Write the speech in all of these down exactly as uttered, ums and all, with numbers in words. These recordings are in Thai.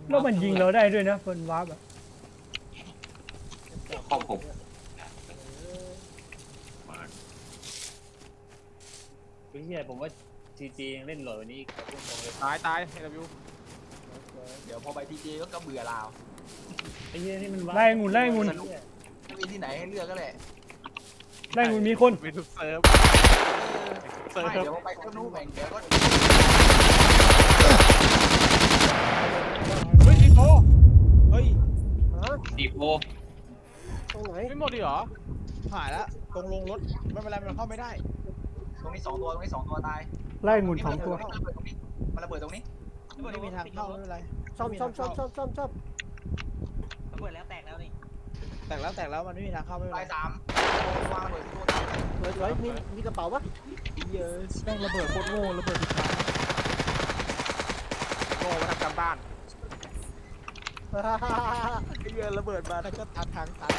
แล้วมันยิงเราได้ด้วยนะคนวาร์ปอะครอบผมมาพี่เฮียผมว่าจีจียังเล่นหล่อวันนี้พูดตรงเลยตายตายเอวิวเดี๋ยวพอไปทีเจก็กระเบื่อลาวไอ้เฮียนี่มันไล่องุ่นไล่องุ่นไม่มีที่ไหนให้เลือกก็แหละไล่องุ่นมีคนมีทุกเซิร์ฟเซิร์ฟไม่เดี๋ยวพอไปก็นู้นแบ่งเดี๋ยวก็เฮ้ยซีโฟเฮ้ยดีโฟตรงไหนไม่หมดดิเหรอหายแล้วตรงลงรถไม่เป็นไรมันเข้าไม่ได้ตรงนี้สองตัวตรงนี้สองตัวตายไล่องุ่นสองตัวมันระเบิดตรงนี้ไม่มีทางเข้าไม่เป็นไรซ่อมซ่อมซ่อมซ่อมซ่อมซ่อมระเบิดแล้วแตกแล้วนี่แตกแล้วแตกแล้วมันไม่มีทางเข้าไม่เป็นไรตายสามวางระเบิดที่ตัวตายสวยสวยมีมีกระเป๋าปะเยอะแม่งระเบิดโคตรโง่ระเบิดสุดท้ายโง่มาทำการบ้านไอ้เหี้ยระเบิดมาแล้วก็ตัดทางตัด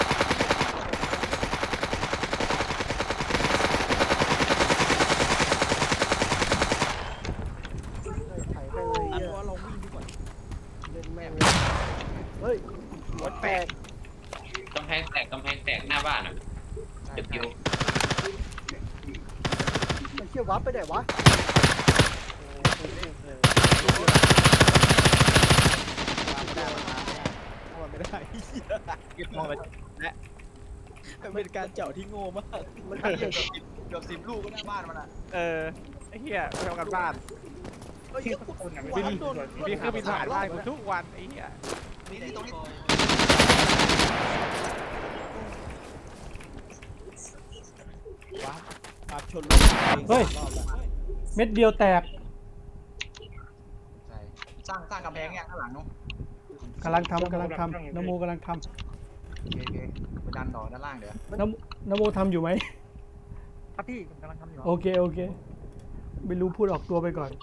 ถ่ายไปเลยอันเยว่าอะเราวิ่งดีกว่าเล่นแม่งเฮ้ยหัวแตกกำแพงแตกกำแพงแตกหน้าบ้านอ่ะเดี๋ยวพิวมันเชี่ยววับไปไหนวะไม่ได้เก็บมองไปและเป็นการเจาะที่โง่มากมันเกืทำเด็กอบสิบเกือบสิบลูกก็หน้าบ้านมันอ่ะเออไอ้เหี้ยไปทำการบ้านเฮ้ยบินบินเครื่องบินผ่านบ้านกูทุกวันไอ้เหี้ยนี่นี่ตรงนี้ว้าปาชนเฮ้ยเม็ดเดียวแตกใช่สร้างสร้างกำแพงเนี่ยข้างหลังนู้นกำลังทำกำลังทำนโมกำลังทโอเคโอเคไปดันต่อด้านล่างเดี๋ยวำนโมนโมทำอยู่ไหมครับพี่ผมกำลังทำอยู่โอเคโอเคไม่รู้พูดออกตัวไปก่อน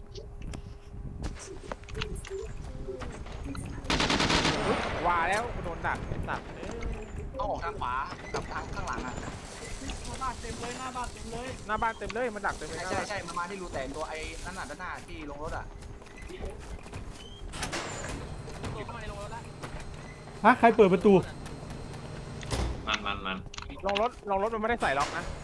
ว่าแล้วโดนดักดักต้องออกทางขวากับทางข้างหลังอ่ะหน้าบ้านเต็มเลยหน้าบ้านเต็มเลยหน้าบ้านเต็มเลยมันดักเต็มเลยใช่ใช่ใช่มามาที่รูแตกตัวไอ้นั่นน่ะด้านหน้าที่ลงรถอ่ะตัวเข้ามาในโรงรถแล้วฮะใครเปิดประตูมันมันมันลงรถลงรถมันไม่ได้ใส่ล็อกนะ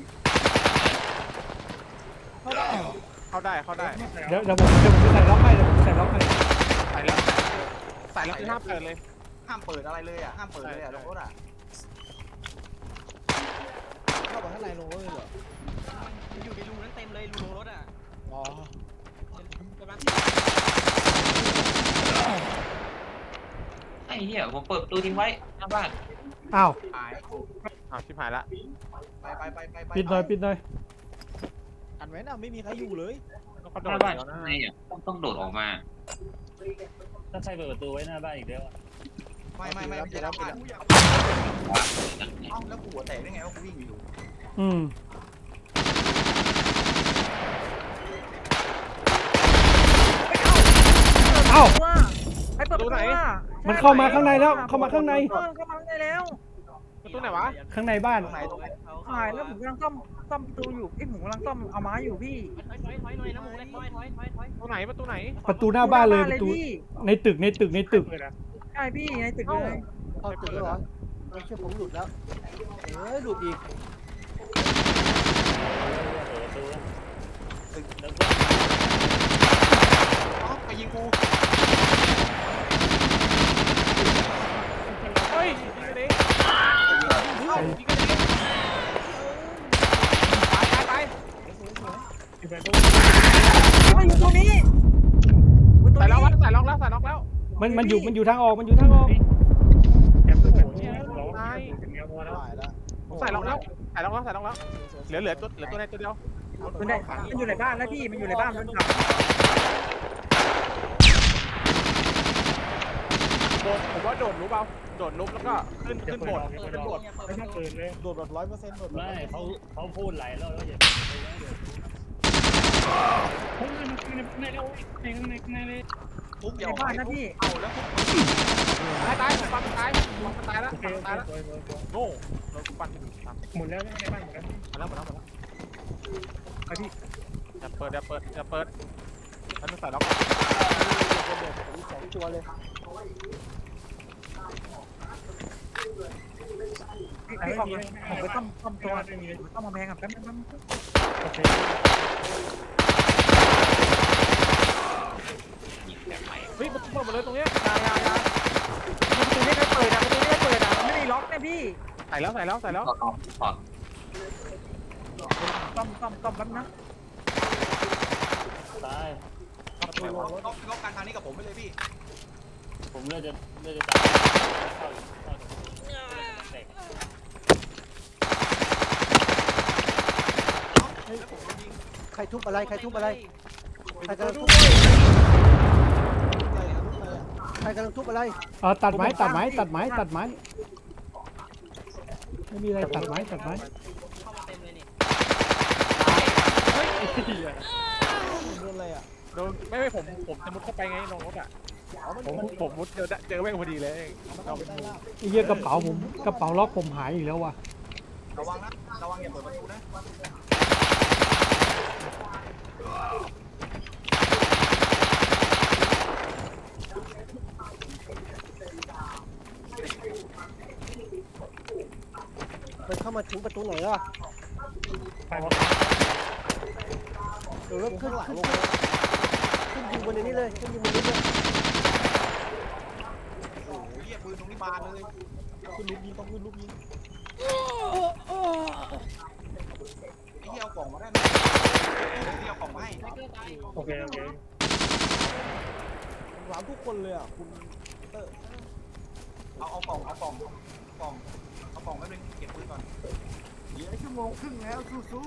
เข้าได้เข้าได้เข้าได้เดี๋ยวเดี๋ยวผมเดี๋ยวผมจะใส่ล็อกให้เดี๋ยวผมจะใส่ล็อกให้ใส่แล้วใส่แล้วคือห้ามเปิดเลยห้ามเปิดอะไรเลยอ่ะห้ามเปิดเลยอ่ะลงรถอ่ะเข้าไปข้างในลงรถเลยเหรอมันอยู่ในรูนั้นเต็มเลยรูโรงรถอ่ะอ๋อกำลังไอ้เหี้ยผมเปิดประตูทิ้งไว้หน้าบ้านอ้าวหายอ้าวชิบหายละไปไปไปไปไปปิดหน่อยปิดหน่อยอันไว้น่ะไม่มีใครอยู่เลยเขาหโดน้าดบ้านแล้วนะไงอ่ะต้องต้องโดดออกมาถ้าใครเปิดประตูไว้หน้าบ้านอีกแล้วอะไม่ไม่ไม่ไม่ใช่แล้วบ้านเอ้าแล้วกูหัวแตกได้ไงว่ากูวิ่งอยู่อืม เอ้าว่าให้เปิดประตูว่ามันเข้ามาข้างในแล้วเข้ามาข้างในเออเข้ามาข้างในแล้วประตูไหนวะข้างในบ้านตรงไหนตรงไหนหายแล้วผมกำลังซ่อมซ่อมประตูอยู่ไอ้ผมกำลังซ่อมเอาไม้อยู่พี่ถอยถอยถอยหน่อยนะหมูถอยถอยถอยถอยประตูไหนประตูไหนประตูหน้าบ้านเลยประตูพี่ในตึกในตึกในตึกใช่พี่ในตึกเลยเอาตึกแล้วเหรอไม่ใช่ผมหลุดแล้วเอ้ยหลุดอีกเปิดประตูแล้วอ๋อไปยิงกูเฮ้ยยิงกันเองยิงกันเองตายตายตายมาอยู่ตรงนี้ใส่ล็อกแล้วใส่ล็อกแล้วใส่ล็อกแล้วมันมันอยู่มันอยู่ทางออกมันอยู่ทางออกตายผมใส่ล็อกแล้วใส่ล็อกแล้วใส่ล็อกแล้วเหลือเหลือตัวเหลือตัวในตัวเดียวมันได้มันอยู่ในบ้านแล้วพี่มันอยู่ในบ้านมันขับโดดผมว่าโดดรู้เปล่าโดดลุกแล้วก็ขึ้นขึ้นโบดขึ้นโบดไม่ต้องเปิดเลยโดดแบบร้อยเปอร์เซ็นต์โดดไม่เขาเขาพูดหลายรอบแล้วอย่าเปิดไปนะเดี๋ยวในเราในในในในทุบในเดี๋ยวบ้านนะพี่เอาแล้วตายตายปันตายปันตายแล้วปันตายแล้วโง่เราปันตายหมดแล้วในบ้านหมดแล้วมาแล้วมาแล้วมาแล้วไอพี่อย่าเปิดอย่าเปิดอย่าเปิดฉันต้องใส่ล็อกสองตัวเลยพี่พี่ออกเลยผมไปซ่อมซ่อมตัวซ่อมมาแพงอ่ะแป๊บนึงแป๊บนึงโอเคยิงแบบใหม่เฮ้ยมันเปิดหมดเลยตรงเนี้ยยายายาประตูนี้ไม่เปิดอ่ะประตูนี้ไม่เปิดอ่ะไม่ได้ล็อกเนี่ยพี่ใส่แล้วใส่แล้วใส่แล้วถอดออกถอดซ่อมซ่อมซ่อมแป๊บนะตายต้องต้องต้องการทางนี้กับผมไปเลยพี่ผมเลือดจะเลือดจะตายเข้าอยู่เข้าอยู่แตกแล้วผมโดนยิงใครทุบอะไรใครทุบอะไรใครกำลังทุบใครกำลังทุบอะไรเออตัดไม้ตัดไม้ตัดไม้ตัดไม้ไม่มีอะไรตัดไม้ตัดไม้เข้ามาเต็มเลยนี่เฮ้ยไอ้เหี้ยโดนอะไรอ่ะโดนไม่ไม่ผมผมจะมุดเข้าไปไงลงรถอ่ะผมผมมุดเจอเจอแม่งพอดีเลยเราเป็นมุมไอ้เหี้ยกระเป๋าผมกระเป๋าล็อกผมหายอีกแล้วว่ะระวังนะระวังอย่าเปิดประตูนะมันเข้ามาถึงประตูไหนแล้วไปวะเดี๋ยวรถขึ้นขึ้นขึ้นยิงบนนี้เลยขึ้นยิงบนนี้เลยโอ้โหเหี้ยปืนตรงนี้บานเลยขึ้นลูกยิงต้องขึ้นลูกยิงไอ้เหี้ยเอากล่องมาได้ไหมไอ้เหี้ยเอากล่องมาให้โอเคโอเคหวังทุกคนเลยอ่ะคุณเอาเอากล่องเอากล่องเอากล่องเอากล่องแป๊บนึงเก็บปืนก่อนเหลือชั่วโมงครึ่งแล้วสู้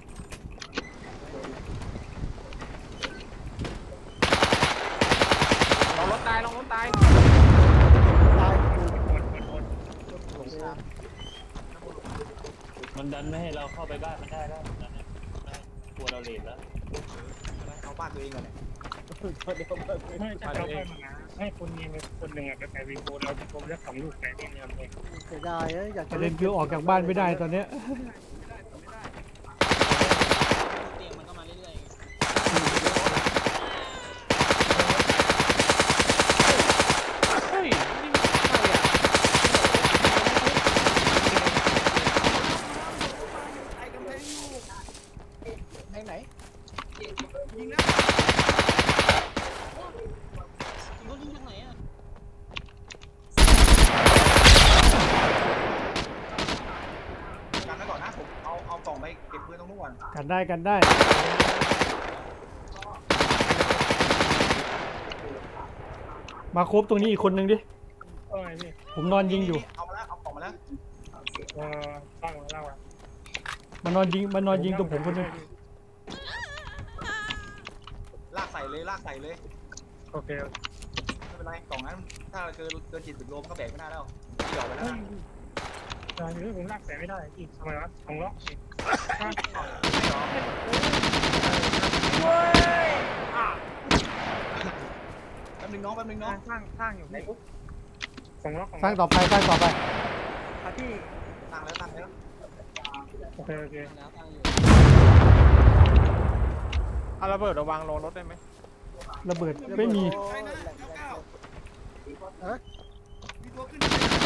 ลองรถตายลองรถตายตายมันดันไม่ให้เราเข้าไปบ้านมันได้แล้วนั่นนะกลัวเราเลทแล้วๆเอาบ้านตัวเองก่อนเนี่ยไม่ใช่เราเข้ามาให้คนยิงคนหนึ่งอ่ะไปวิงโกเราวิงโกจะสองลูกไหนเนี่ยเนี่ยเลยเสียดายนะอยากปจะระเด็นคือออกจากบ้านไม่ได้ตอนเนี้ยเตียงมันก็มาเรื่อยๆเฮ้ยนี่ใครอ่ะไหนไหนยิงนะรถยิงจากไหนอ่ะกันไว้ก่อนนะผมเอาเอากล่องไปเก็บปืนตรงนู้นก่อนกันได้กันได้มาครบตรงนี้อีกคนนึงดิเออนี่ผมนอนยิงอยู่เอามาแล้วเอากล่องมาแล้วเออตั้งเล่าอ่ะมันนอนยิงมันนอนยิงตรงผมคนนึงลากใส่เลยลากใส่เลยโอเคไม่เป็นไรกล่องนั้นถ้าเกินเกินจิตสิบโลมันก็แบกไม่ได้แล้วที่ออกไปแล้วเฮ้ยนะตอนนี้ผมลากแต่ไม่ได้อีกทำไมวะสองล็อกเว้ยอ่ะแป๊บนึงน้องแป๊บนึงน้องสร้างสร้างอยู่พี่สองล็อกสร้างต่อไปสร้างต่อไปอ่ะพี่ตั้งแล้วตั้งแล้วโอเคโอเคแล้วตั้งอยู่เอาระเบิดระวังลงรถได้ไหมระเบิดไม่มีฮะมีตัวขึ้น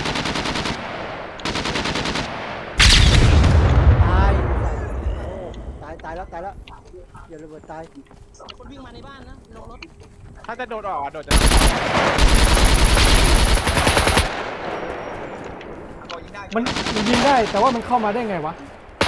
ตายโอ้ตายตายแล้วตายแล้วอย่าระเบิดตายคนวิ่งมาในบ้านนะลงรถถ้าจะโดดออกอ่ะโดดจะก็ยิงได้มันมันยิงได้แต่ว่ามันเข้ามาได้ไงวะ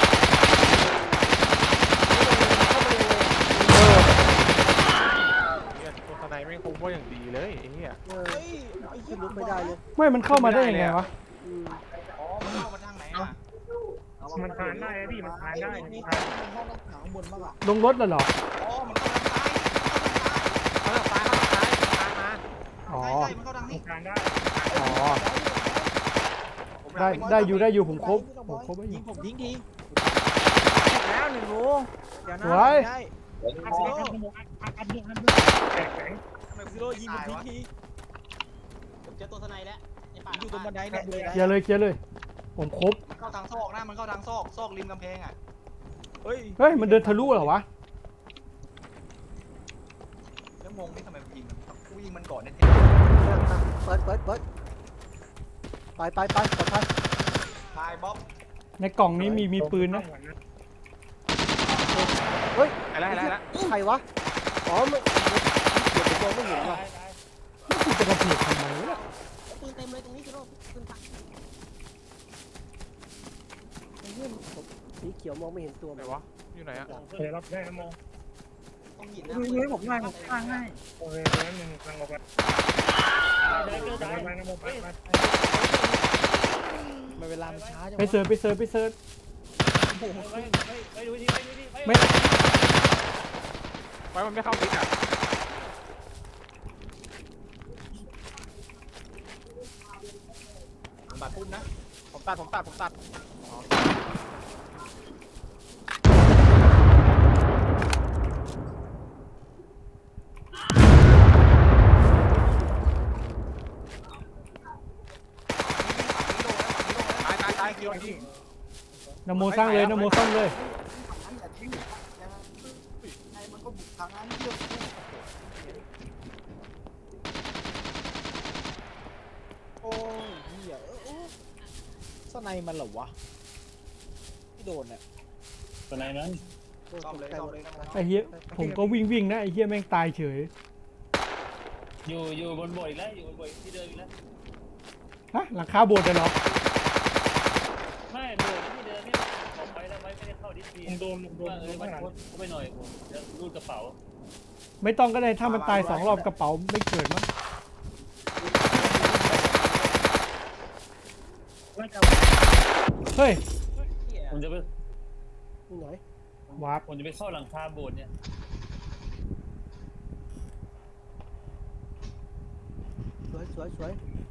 เออเนี่ยตัวทนายไม่คงว่าอย่างดีเลยไอ้เหี้ยเออขึ้นรถไม่ได้เลยไม่มันเข้ามาได้ยังไงวะอืมอ๋อมันเข้ามาทางไหนอ่ะมันทานได้พี่มันทานได้มันทานห้องน้ำขังบนบ้างอ่ะลงรถแล้วเหรออ๋อมันเข้าทางซ้ายเขาจะตายเขาจะตายตายมาอ๋อใช่ใช่มันเข้าทางนี้ทานได้อ๋อได้ได้อยู่ได้อยู่ผมครบผมครบไว้อยู่ผมทิ้งทีแล้วหนึ่งรูเดี๋ยวนะสวยได้อัดอัดอัดอัดอัดอัดแข็งแข็งทำไมซิโร่ยิงผมทิ้งทีผมเจอตัวทนายแล้วในป่าอยู่ตรงบันไดเนี่ยเลยเคลียร์เลยเคลียร์เลย ผมครบมันเข้าทางซอกนะมันเข้าทางซอกซอกริมกำแพงอ่ะเฮ้ยเฮ้ยมันเดินทะลุเหรอวะแล้วงงนี่ทำไมมันยิงกูยิงมันก่อนเนี่ยเปิดเปิดเปิดไปไปไปปลอดภัยตายบ๊อบในกล่องนี้มีมีปืนนะเฮ้ยอะไรอะไรอะไรใครวะอ๋อมันเดี๋ยวผมมองไม่เห็นว่ะแล้วคุณจะกระเพียดทำไมวะปืนเต็มเลยตรงนี้จะโดนปืนตักไอ้เหี้ยผมสีเขียวมองไม่เห็นตัวไหนมันวะอยู่ไหนอะเดี๋ยวรับได้นะโมต้องหินดูดูให้ผมหน่อยผมข้างให้โอเคเดี๋ยวนึงกำลังออกไปกำลังไปนะโมไปไปไม่เวลามันช้าจังไปเซิร์ชไปเซิร์ชไปเซิร์ชไปดูดิไปดูดิไปไม่ไว้มันไม่เข้าดิสอะบาดพุ่มนะผมตัดผมตัดผมตัด ตายตายตายคิวคิวนโมสร้างเลยนโมสร้างเลยนั้นอย่าทิ้งไอ้มันก็บุกทางนั้นเยอะโอ้ยเหี้ยเออโอ้สไนมันเหรอวะที่โดนเนี่ยตัวไหนนั้นซ่อมเลยซ่อมเลยนะไอ้เหี้ยผมก็วิ่งวิ่งนะไอ้เหี้ยแม่งตายเฉยอยู่อยู่บนบ่อยแล้วอยู่บนบ่อยที่เดิมอีกแล้วฮะหลังคาโบสถ์เลยเหรอไม่บ่อยที่เดิมนี่ออกไปแล้วไม่ได้เข้าดิสพีผมโดนโดนว่าเอโดอน มัข้าน งหลังเข้าไปหน่อยผมจะรูดกระเป๋าไม่ต้องก็ได้ถ้ามันตายสองรอบกระเป๋าไม่เกิดมั้งไล่จับเฮ้ยผมจะไปนี่ไหนวาร์ปผมจะไปเข้าหลังคาโบสถ์เนี่ยสวยสวยสวย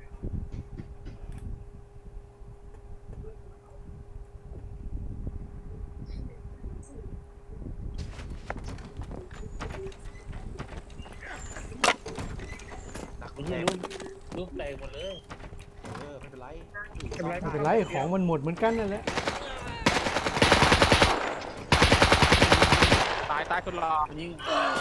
ดักไม่แตใช่กรูปรูปแตกหมดเลยเออไม่เป็นไรไม่เป็นไรของมันหมดเหมือนกันนั่นแหละตายตายคนรอมันยิง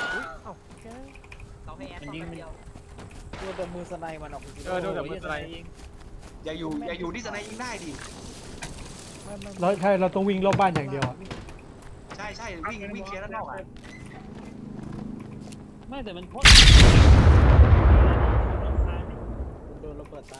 เขาให้แอดมันยิงมันโดนแต่มือสไนมันออกไปเออโดนแต่มืออะไรยิงอย่าอยู่อย่าอยู่ที่สนายยิงได้ดิเราใช่เราต้องวิ่งรอบบ้านอย่างเดียวอะใช่ใช่วิ่งวิ่งเคลียร์ด้านนอกอ่ะไม่แต่มันพ่นโดนระเบิดตาย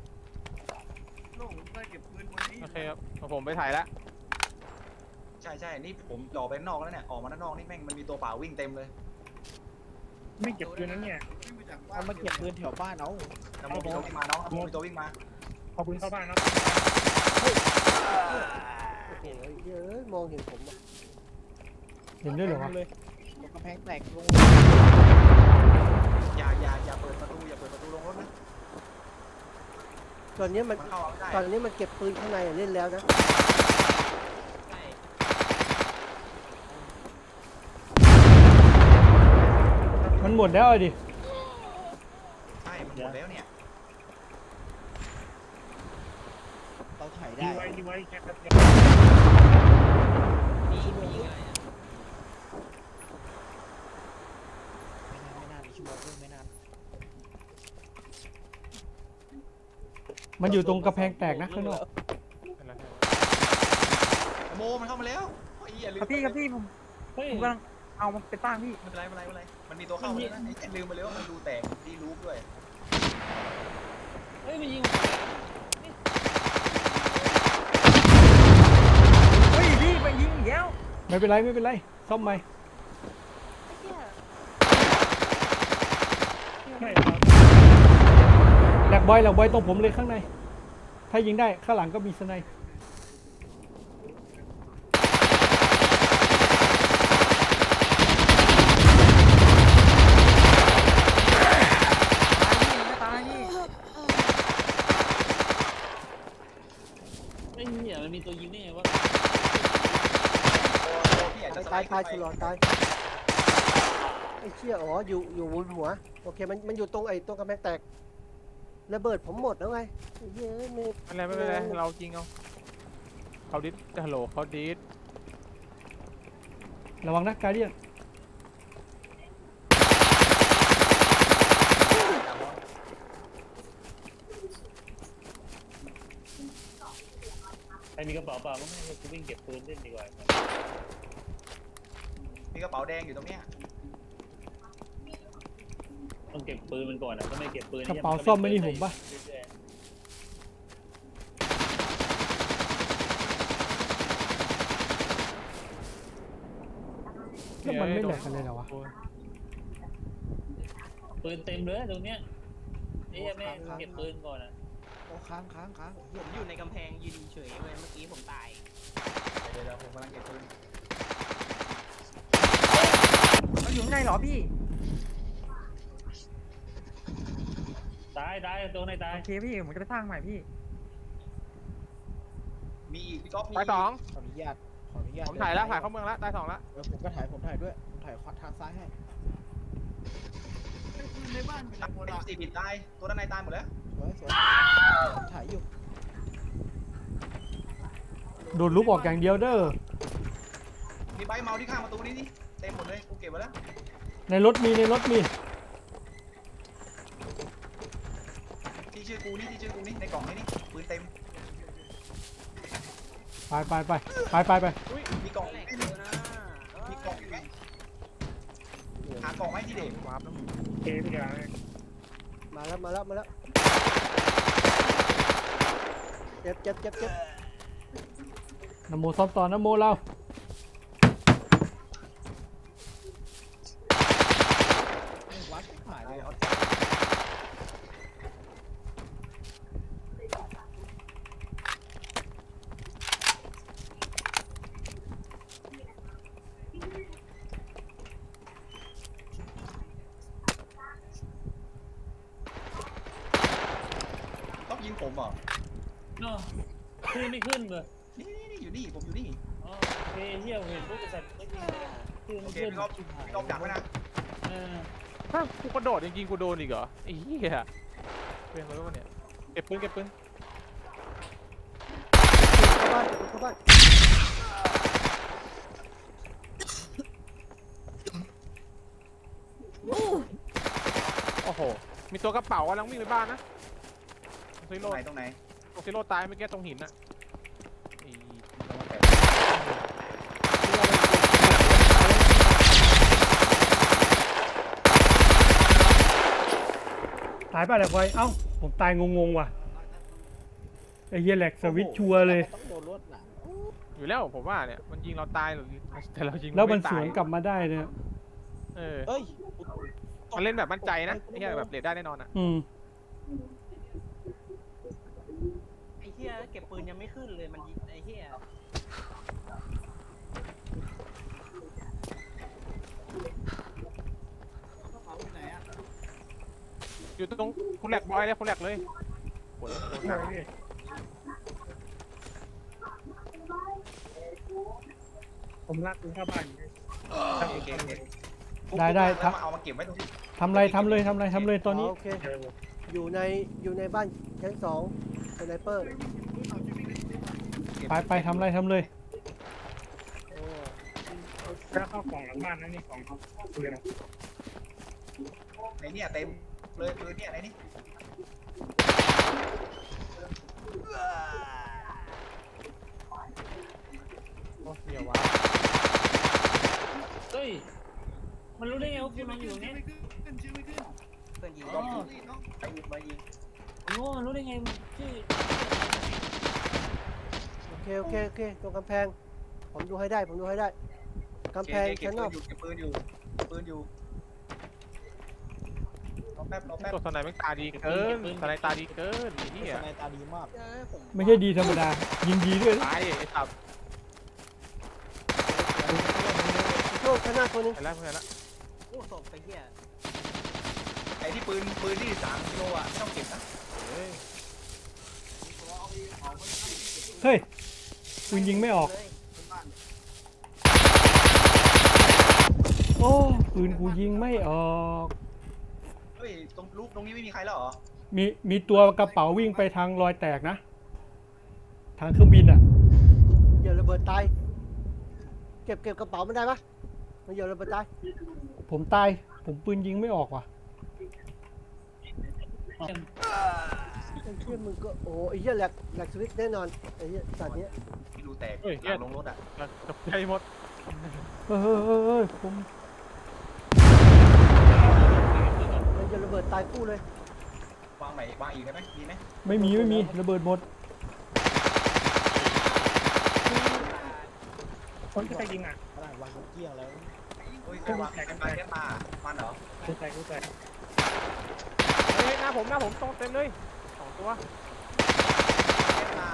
โอเคครับผมไปถ่ายแล้วใช่ใช่นี่ผมหล่อไปด้านนอกแล้วเนี่ยออกมาด้านนอกนี่แม่งมันมีตัวเปล่าวิ่งเต็มเลยไม่เก็บปืนนั้นเนี่ยเอามาเก็บปืนแถวบ้านเอาน้ำมันมีตัววิ่งมาน้องน้ำมันมีตัววิ่งมาขอบคุณเข้าบ้านนะโอ้โหเยอะมองเห็นผมอ่ะเห็นด้วยเหรอวะเลยตรงกำแพงแตกลงอย่าอย่าอย่าเปิดประตูอย่าเปิดประตูลงรถนะตอนนี้มันมันเข้าไม่ได้ตอนนี้มันเก็บปืนข้างในเล่นแล้วนะมันหมดแล้วอะดิใช่มันหมดแล้วเนี่ยเราถ่ายดีได้ไว้ดีไว้แค่แป๊บเดียวมีมีอะไรอะไม่นานไม่นานชั่วโมงด้วยไม่นานมันอยู่ตรงกระแพงแตกนะข้างนอกโมมันเข้ามาแล้วไอ้เหี้ยลืมครับพี่ครับพี่ผมเฮ้ยผมกำลังเอามันไปตั้งพี่ไม่เป็นไรไม่เป็นไรไม่เป็นไรมันมีตัวเข้ามาแล้วนะไอ้แกลืมไปเลยว่ามันรูแตกดีรูปด้วยเฮ้ยมันยิงเฮ้ยพี่ไปยิงอีกแล้วไม่เป็นไรไม่เป็นไรซ่อมใหม่ไม่ครับแหลกบอยแหลกบอยตรงผมเลยข้างใน ถ้ายิงได้ข้างหลังก็มีสไนป์ตายพี่ไอ้เหี้ยมันมีตัวยิงได้ไงวะตัวตัวพี่อาจจะสไลตายด์ตายขึ้นชุไปลอนตายไอ้เชี่ยอ๋ออยู่อยู่บนหัวโอเคมันมันอยู่ตรงไอ้ตรงกำแพงแตกระเบิดผมหมดแล้วไงไอ้เหี้ยไม่ไม่เป็นไรไม่เป็นไรเราจริงเอาเขาดิสฮัลโหลเขาดิสระวังนะการเดียนมีกระเป๋าเปล่าก็ไม่ให้กูวิ่งเก็บปืนเล่นดีกว่ามีกระเป๋าแดงอยู่ตรงเนี้ยต้องเก็บปืนมันก่อนอ่ะถ้าไม่เก็บปืนกระเป๋าซ่อมไม่นี่ผมปะแล้วมันไม่แหลกกันเลยเหรอวะปืนเต็มเลยตรงเนี้ยนี่ยังไม่เก็บปืนก่อนอ่ะโอ้ค้างค้างค้างผมอยู่ในกำแพงยืนเฉยเว้ยเมื่อกี้ผมตายเดี๋ยวเดี๋ยวผมกำลังเก็บปืนมันอยู่ข้างในเหรอพี่ตายตายตัวไหนตายโอเคพี่ผมจะไปสร้างใหม่พี่มีอีกพี่ก๊อฟมีตายสองขออนุญาตขออนุญาตผมถ่ายแล้วถ่ายเข้าเมืองแล้วตายสองแล้วเออผมก็ถ่ายผมถ่ายด้วยผมถ่ายขวาทางซ้ายให้ในบ้านเป็นสี่ผิดตายตัวด้านในตายหมดแล้วสวยสวยผมถ่ายอยู่โดนลุกออกอย่างเดียวเด้อมีใบเมาที่ข้างประตูนี่นี่เต็มหมดเลยกูเก็บไว้แล้วในรถมีในรถมีที่ชื่อกูนี่ที่ชื่อกูนี่ในกล่องนี่นี่ปืนเต็มไปไปไปไปไปไปมีกล่องไหมมีกล่องอีกไหมหากล่องไหมที่เด็กวาร์ปแล้วโอเคพี่ยามาแล้วมาแล้วมาแล้วเจ็บเจ็บเจ็บเจ็บนโมซ้อมต่อนโมเราไม่วัดหายเลยเอา ต้องยิงผมเหรอเนาะขึ้นไม่ขึ้นเลยนี่นี่นี่อยู่นี่ผมอยู่นี่อ๋อโอเคเฮียเห็นรูปสัตว์ไม่ขึ้นขึ้นโอไม่เคขึ้นพี่ก๊อฟพี่ก๊อฟดักไว้นะเออถ้ากูกระโดดจริงๆกูโดนอีกเหรอไอ้เหี้ยเป็นอะไรวะเนี่ยเก็บปืนเก็บปืนเข้าบ้านเข้าบ้านโอ้โหมีตัวกระเป๋ากำลังวิ่งไปบ้านนะซิตโร่รงไหนตรงไหนตรงซิโร่ตายเมื่อกี้ตรงหินน่ะไอ้ตายป่ะแหลกไว้เอ้าผมตายงงๆว่ะไอ้เหี้ยแหลกสวิตช์ชัวร์เลยต้องโดนรถหลังอยู่แล้วผมว่าเนี่ยมันยิงเราตายหรือแต่เรายิงแล้วมันไตาสยวนกลับมาได้เนี่ยเออเอ้ยมันเล่นแบบมั่นใจนะไอ้เหี้ยแบบเรดได้แน่นอนอ่ะอืมไอ้เหี้ยเก็บปืนยังไม่ขึ้นเลยมันยิงไอ้เหี้ยอยู่ตรงคุณแหลกบอยเลยคุณแหลกเลยโหโหหนักผมลากปืนเข้าบ้านอยู่โอเคโอเคได้ได้คครัรับบ เอามาเก็บไว้ตรงที่ทำไรทำเลยทำไรทำเลยตอนนี้โอเคเจออยู่ในอยู่ในบ้านชั้นสองสไนเปอร์ไปไปทำไรทำเลยแล้วเข้ากล่องหลังบ้านนั่นนี่กล่องเขาปืนอะในเนี่ยเต็มเลยปืนเนี่ยไหนนี่โอ้เหี้ยวะเฮ้ยมันรู้ได้ไงว่ากูนอนอยู่เนี่ยเพื่อนยิงอ๋อไปยิงมายิงโอ้มันรู้ได้ไงชื่อโอเคโอเคโอเคตรงกำแพงผมดูให้ได้ผมดูให้ได้กำแพงโอเคชั้นนอกเก็บปืนอยู่เก็บปืนอยู่รอแป๊บรอแป๊บตัวสไนแม่งตาดีเกินสไนตาดีเกินไอ้เหี้ยสไนตาดีมากเออผมไม่ใช่ดีธรรมดา ยิงดีด้วยนะตายไอ้สับโชคชั้นหน้าตัวหนึงไปแล้วไปแล้วโอ้ศพไอ้เหี้ยไอ้ที่ปืนปืนที่สามกิโลอ่ะไม่ต้องเก็บนะเฮ้ยเฮ้ยปืนยิงไม่ออกเลยโอ้ปืนกูยิงไม่ออกเฮ้ยตรงรูปตรงนี้ไม่มีใครแล้วเหรอมีมีตัวกระเป๋าวิ่งไปทางรอยแตกนะ ทางเครื่องบินอ่ะเหยื่อระเบิดตายเก็บเก็บกระเป๋ามันได้ปะมันเหยื่อระเบิดตายผมตาย ผมปืนยิงไม่ออกว่ะโไอ้เหี้ยมึงก็โอ้ไอ้เหี้ยแหลกแหลกสวิตช์แน่นอนไอ้เหี้ยสัตว์เนี้ยที่รูแตกเฮ้ยหลังลงรถอ่ะกับใจหมดเฮ้ยเฮ้ยเฮ้ยเฮ้ยผมมันจะระเบิดตายคู่เลยวางใหม่วางอีกได้ไหมมีไหมไม่มีไม่มีระเบิดหมดคนที่ใครยิงอ่ะขนาดวางกุญเกี้ยงแล้วโอ้ยใครวางกันไปแค่มามันเหรอกูใส่กูใส่เฮ้ยหน้าผมหน้าผมตรงเต็มเลยสองตัวแค่มา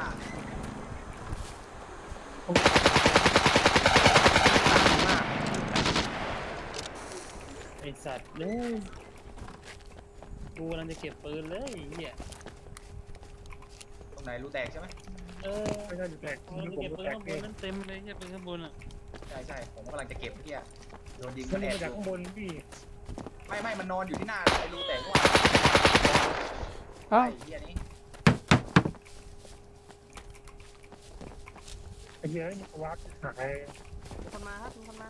ไอสัตว์เลยกูกำลังจะเก็บปืนเลยไอ้เหี้ยตรงไหนรูแตกใช่ไหมเออไม่ใช่ดูแตกกำลังจะผมเก็บดูปืนแตกข้างบเอน งนั่นเต็มเลยเหี้ยปืนข้างบนอ่ะใช่ใช่ผมกำลังจะเก็บเมื่อกี้อะโดนยิงมัมัน นแอบมาจากอยู่ข้างบนพี่ไม่ไม่มันนอนอยู่ที่หน้าไอ้รูแตกว่าอ้าวไอ้เหี้ยนี่ไอ้เหี้ยมันวักหายมีคนมาครับมีคนมา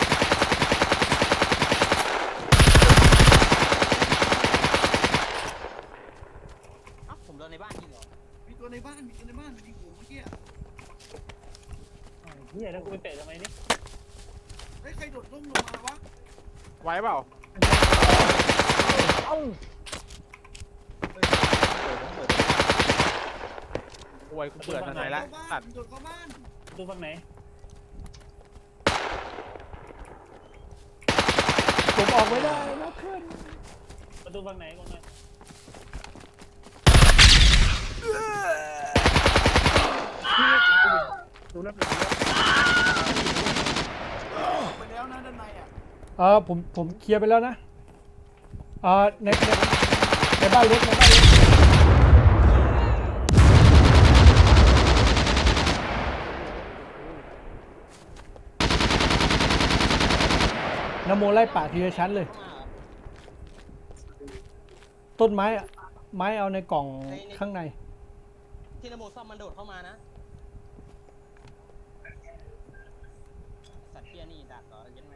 เอ้าผมโดนในบ้านยิงเหรอมีตัวในบ้านมีตัวในบ้านมันยิงผมเมื่อกี้ไอ้เหี้ยแล้วกูไปเตะทำไมเนี่ยเฮ้ยใครโดดร่มลงมาวะไหวเปล่าเอ้าโวยกูเปิดทนายละตัดโดดเข้าบ้านดูฝั่งไหนผมออกไม่ได้นะเพื่อนประตูฝั่งไหนก่อนหน่อยดูแล้วไปแล้วนะด้านในอ่ะเออผมผมเคลียร์ไปแล้วนะเออในในในบ้านเล็กในบ้านเล็กนโมไล่ป่าทีละชั้นเลย ต้นไม้อะไม้เอาในกล่องข้างในที่นโมซ่อมมันโดดเข้ามานะ สัตว์เพี้ยนี่ดักเหรอยันไหม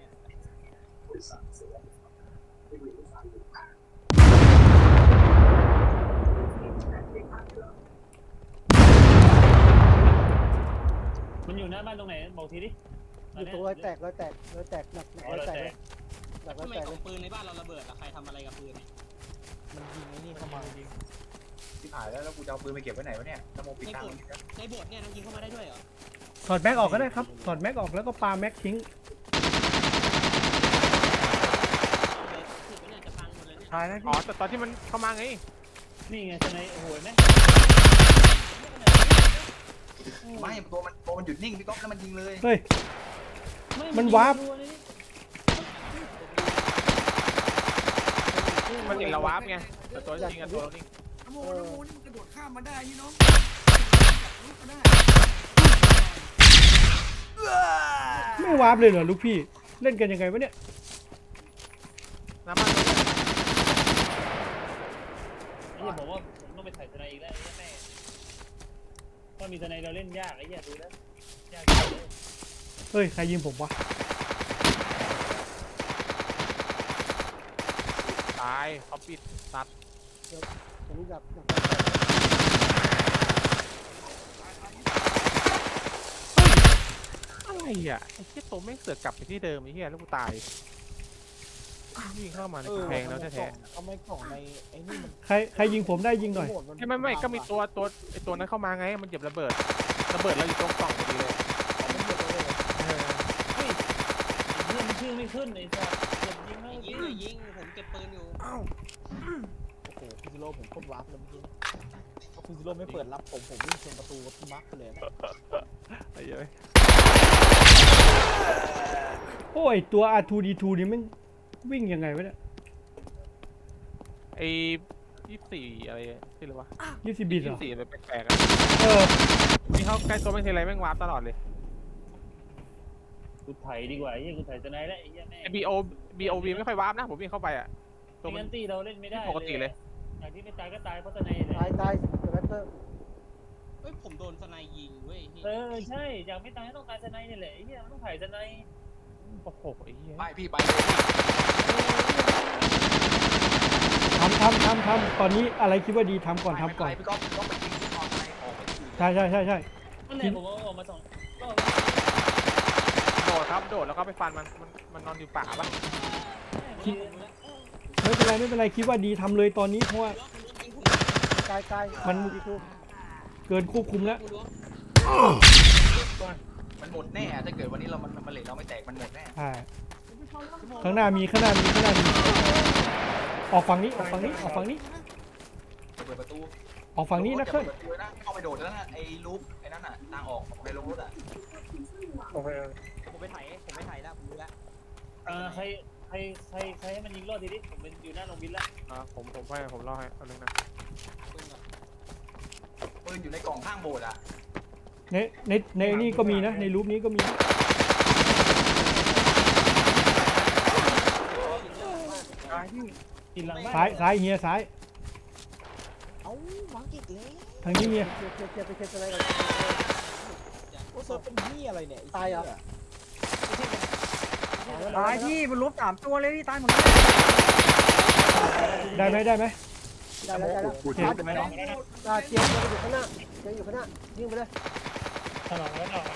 มันอยู่หน้าบ้านตรงไหนบอกทีดิอยู่ตรงรอยแตกรอยแตกรอยแตกหนักหนักอ๋อรอยเราแตกแตเลกยหนักรอยทำไมแตกกเลล่อย งปืนในบ้านเราระเบิดอะใครทำอะไรกับปืนเนี่ยมันยิงไอ้นี่เข้ามาที่ผ่านแล้วแล้วกูจะเอาปืนไปเก็บไว้ไหนวะเนี่ยนโมปิดทางมันในโบสถ์เนี่ยมันยิงเข้ามาได้ด้วยเหรอถอดแม็กออกก็ได้ครับถอดแม็กออกแล้วก็ปาแม็กทิ้งเลยถือว่าเนี่ยจะพังหมดเลยเนี่ยตายแล้วอ๋อแต่ตอนที่มันเข้ามาไงนี่ไงทนายโอ้โหเห็นไหมไม่ตัวมันตัวมันหยุดนิ่งพี่ก๊อฟแล้วมันยิงเลยเฮ้ยไมันวาร์ปมันเห็นเราวาร์ปไงแต่ตัวจริงอะตัวเรานิ่งนโมนโมนี่มันกระโดดข้ามมาได้นี่น้องลุกมาได้ไม่วาร์ปเลยเหรอลูกพี่เล่นกันยังไงวะเนี่ยน้ำมันไอ้เหี้ยผมว่าผมต้องไปถ่ายทนายอีกแล้วไอ้เหี้ยแม่ถ้ามีทนายเราเล่นยากไอ้เหี้ยดูแล้วยากเลยเฮ้ยใครยิงผมวะตายเขาปิดตัดผมดักดักอะไรอ่ะไอ้เหี้ยตัวแม่งเสือกกลับไปที่เดิมไอ้เหี้ยแล้วกูตายวิ่งเข้ามาในเออกำแพงแล้วแท้ทำไมกล่องในไอ้นี่มันใครใครยิงผมได้ยิงหน่อยๆไม่ไม่ไม่ก็มีตัวตัวไอ้ตัวนั้นเข้ามาไงมันเหยียบระเบิดระเบิดเราอยู่ตรงกล่องพอดีเลยเออเฮ้ยไอ้เหี้ยมันชื่อไม่ขึ้นไอ้สัสเก็บยิงแล้วยิเมื่งอกี้เลยยิงผมเก็บปืนอยู่โอ้โหฟิซิโร่ผมโคตรวาร์ปเลยเมื่อกี้ถ้าฟิซิโร่ไม่เปิดรับผมผมวิ่งชนประตูกับพี่มาร์คไปเลยนะไอ้เหี้ยโอ้ยตัว อาร์ ทู ดี ทู นี่มันวิ่งยังไงวะเนี่ยไอ้ยี่สิบสี่อะไรที่เรียกว่ายี่สิบบิตเหรยี่อสิบสี่อะไรแปลกๆอะเออนี่เขาใกล้ตัวแม่งทีไรแม่งวาร์ปตลอดเลยกูไถดีกว่าไอ้เหี้ยกูไถทนายแล้วไอ้เหี้ยแม่ไอ้ บี โอ บี โอ วี ไม่ค่อยวาร์ปนะผมวิ่งเข้าไปอ่ะตัวไม่มันงั้นตีเราเล่นไม่ได้ปกติเลยอย่างที่ไม่ตายก็ตายเพราะทนายเลยตายตายสแปตเตอร์เฮ้ยผมโดนสไนยิงเว้ยเออใช่อย่างไม่ตายก็ต้องตายทนายนี่แหละไอ้เหี้ยมันต้องไถทนายโอ้โหไอ้เหี้ยไปพี่ไปเลยพี่ทำทำทำทำตอนนี้อะไรคิดว่าดีทำก่อนทำก่อนพี่ก๊อฟพี่ก๊อฟไปกินที่นอนไปออกไปกินใช่ใช่ใช่ใช่นั่นแหละผมเอาออกมาสองรอบโดดครับโดดแล้วก็ไปฟันมันมันมันนอนอยู่ป่าปะไม่เป็นไรไม่เป็นไรคิดว่าดีทำเลยตอนนี้เพราะว่ากายกายมันดีทูเกินควบคุมแล้วมันหมดแน่ถ้าเกิดวันนี้เรามันมันเหล็กเราไม่แตกมันหมดแน่ใช่ข้างหน้ามีข้างหน้ามีข้างหน้ามีออกฝั่งนี้ออกฝั่งนี้ออกฝั่งนี้เปิดประตูออกฝั่งนี้นะเคยเปิดประตูนะเข้าไปโดดแล้วนะไอ้ลูปไอ้นั่นน่ะทางออกในโรงรถอ่ะโอเคผมไปถ่ายผมไปถ่ายแล้วผมรู้แล้วเออใครใครใครใครให้มันยิงรอดทีนี้ผมเป็นอยู่หน้าโรงบินแล้วอ่าผมผมให้ผมเล่าให้เอานึงนะปืนอยู่ในกล่องข้างโบสถ์อ่ะในในในนี่ก็มีนะในรูปนี้ก็มีนะตายที่กินหลังบ้านซ้ายซ้ายเฮียซ้ายเอ้าหวังอีกแล้วทางนี้เฮียเคลียร์เคลียร์เคลียร์ไปเคลียร์อะไรกันโอ้เซิร์ฟเป็นเหี้ยอะไรเนี่ยไอ้ตายเหรอเหี้ยตายพี่มันลบสามตัวเลยพี่ตายหมดเลยได้ไหมได้ไหมได้แล้วได้แล้วโอเคไม่น้องอ่าเจียงอยู่ข้างหน้าเจียงอยู่ข้างหน้ายิงไปเลยถนนแล้วเนาะ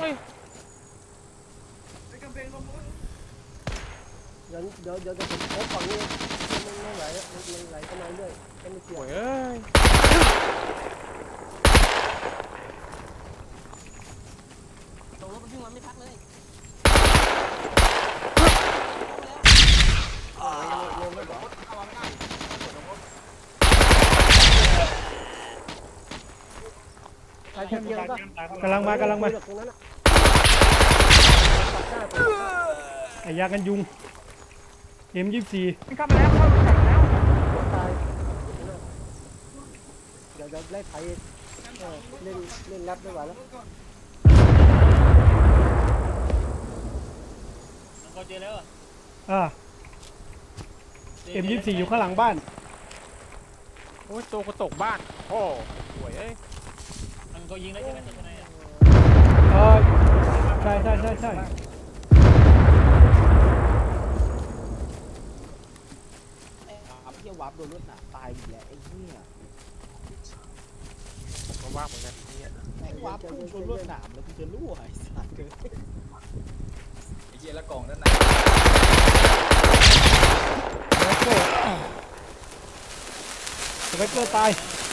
เดี๋ยวเดี๋ยวเดี๋ยวเดี๋ยวผมโอ้ฝั่งนี้มันไม่ไหลมันมันไหลเข้ามาเรื่อยก็ไม่เกี่ยวโอ้ยเอ้ยลงแล้วเหรอใครเจียงเจียงก็กำลังมากำลังมาตรงนั้นอะไอ้ยากันยุง เอ็มยี่สิบสี่มันเข้ามาแล้วเข้ามาแล้วตายเดี๋ยวเดี๋ยวไล่ไถเออเล่นเล่นแรปไม่ไหวแล้วมันก็เจอแล้วอ่ะอ่าเอ็มยี่สิบสี่อยู่ข้างหลังบ้านโอ้ยตัวกระตกบ้านโอ้หวยเอ้ยมันก็ยิงแล้วใช่ไหมตัวไหนอ่ะเออใช่ใช่ใช่ใช่อัพเหี้ยวับโดนรถหนาตายอีกแล้วไอ้เหี้ยผมก็ว่าเหมือนกันเนี่ยแม่งวับพุ่งชนรถหนามแล้วกูจะรั่วไอ้สัตว์เกินไอ้เหี้ยแล้วกล่องนั่นสเปกเกอร์สเปกเกอร์ตาย